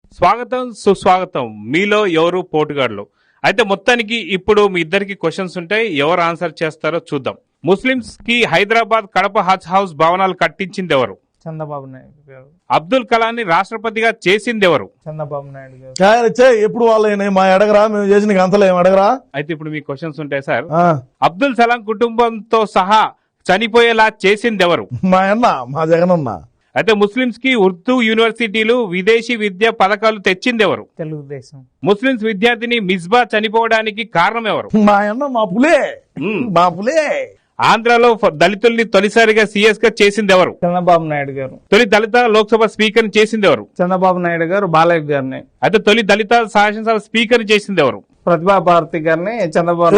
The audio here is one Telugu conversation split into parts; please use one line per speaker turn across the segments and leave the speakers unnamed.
స్వాగతం సుస్వాగతం. మీలో ఎవరు పోటుగాడులు? అయితే మొత్తానికి ఇప్పుడు మీ ఇద్దరికి క్వశ్చన్స్ ఉంటాయి, ఎవరు ఆన్సర్ చేస్తారో చూద్దాం. ముస్లింస్ కి హైదరాబాద్ కడప హజ్ హౌస్ భవనాలు కట్టించింది ఎవరు?
చంద్రబాబు నాయుడు గారు.
అబ్దుల్ కలాంని రాష్ట్రపతిగా చేసింది ఎవరు?
చంద్రబాబు నాయుడు గారు.
ఎప్పుడు వాళ్ళని మా అడగరా, మేము చేసిన అంతలో ఏం అడగరా.
అయితే ఇప్పుడు మీ క్వశ్చన్స్ ఉంటాయి సార్. అబ్దుల్ సలాం కుటుంబంతో సహా చనిపోయేలా చేసింది ఎవరు?
మా అన్న, మా జగనన్న.
అయితే ముస్లింస్ కి ఉర్దూ యూనివర్సిటీలు విదేశీ విద్యా పథకాలు తెచ్చింది ఎవరు?
తెలుగుదేశం.
ముస్లింస్ విద్యార్థిని మిస్బా చనిపోవడానికి కారణం ఎవరు?
మా అన్న, మా పులే. మా పులే.
ఆంధ్రాలో దళితుల్ని తొలిసారిగా సీఎస్ గా చేసింది ఎవరు?
చంద్రబాబు నాయుడు గారు.
తొలి దళిత లోక్సభ స్పీకర్ చేసింది ఎవరు?
చంద్రబాబు నాయుడు గారు బాలయ్య గారిని.
అయితే తొలి దళిత శాసనసభ స్పీకర్ చేసింది ఎవరు?
ప్రతిభా భారతి గారిని. చంద్రబాబు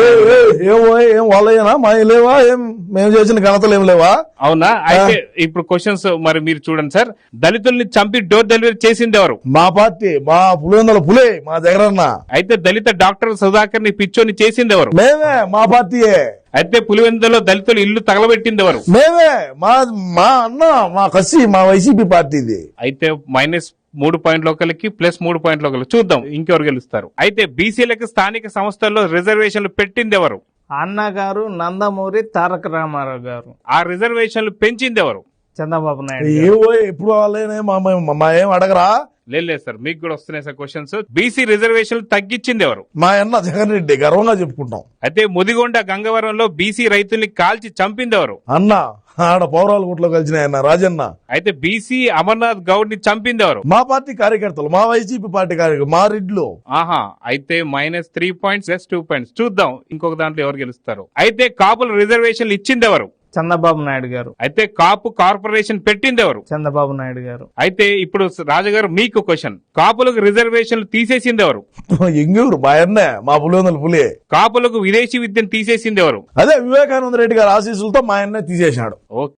ఏం వాళ్ళయ్యనా మా లేవా? ఏం మేము చేసిన ఘనతలు ఏం లేవా?
అవునా? అయితే ఇప్పుడు క్వశ్చన్స్ మరి మీరు చూడండి సార్. దళితుల్ని చంపి డోర్ డెలివరీ చేసింది ఎవరు?
మా పార్టీ, మా పులివెందుల పులే, మా జగనన్న.
అయితే దళిత డాక్టర్ సుధాకర్ ని పిచ్చోని చేసింది ఎవరు?
మేమే, మా పార్టీయే.
అయితే పులివెందులో దళితులు ఇల్లు తగలబెట్టింది ఎవరు?
మేమే, మా అన్న, మా కసి, మా వైసీపీ పార్టీది.
అయితే -3 పాయింట్ల ఒకరికి +3 పాయింట్ల ఒకరు. చూద్దాం ఇంకెవరు గెలుస్తారు. అయితే బీసీలకు స్థానిక సంస్థల్లో రిజర్వేషన్లు పెట్టింది ఎవరు?
అన్న గారు, నందమూరి తారక రామారావు గారు.
ఆ రిజర్వేషన్లు పెంచింది ఎవరు?
చంద్రబాబు నాయుడు.
ఎప్పుడు వాళ్ళనే మా ఏం అడగరా.
లేదు సార్, మీకు కూడా వస్తున్నాయి సార్ క్వశ్చన్స్. బీసీ రిజర్వేషన్లు తగ్గించింది ఎవరు?
మా అన్న జగన్ రెడ్డి, గర్వంగా చెప్పుకుంటాం.
అయితే ముదిగొండ గంగవరంలో బీసీ రైతుల్ని కాల్చి చంపింది ఎవరు?
అన్న, ఆడ పౌరాల గుట్లో కలిసిన ఆయన రాజన్న.
అయితే బీసీ అమర్నాథ్ గౌడ్ ని చంపింది ఎవరు?
మా పార్టీ కార్యకర్తలు, మా వైసీపీ పార్టీ కార్యకర్తలు, మా రెడ్లు.
ఆహా, అయితే -3 పాయింట్స్ +2 పాయింట్స్. చూద్దాం ఇంకొక దాంట్లో ఎవరు గెలుస్తారు. అయితే కాపుల రిజర్వేషన్లు ఇచ్చింది ఎవరు?
చంద్రబాబు నాయుడు గారు.
అయితే కాపు కార్పొరేషన్ పెట్టింది ఎవరు?
చంద్రబాబు నాయుడు గారు.
అయితే ఇప్పుడు రాజుగారు మీకు క్వశ్చన్. కాపులకు రిజర్వేషన్లు తీసేసింది ఎవరు?
ఎంగూరు మా అన్నే, మా పులివెందుల పులి.
కాపులకు విదేశీ విద్యను తీసేసింది ఎవరు?
అదే వివేకానంద రెడ్డి గారి ఆశీస్సులతో మా అన్నే తీసేశాడు.
ఓకే.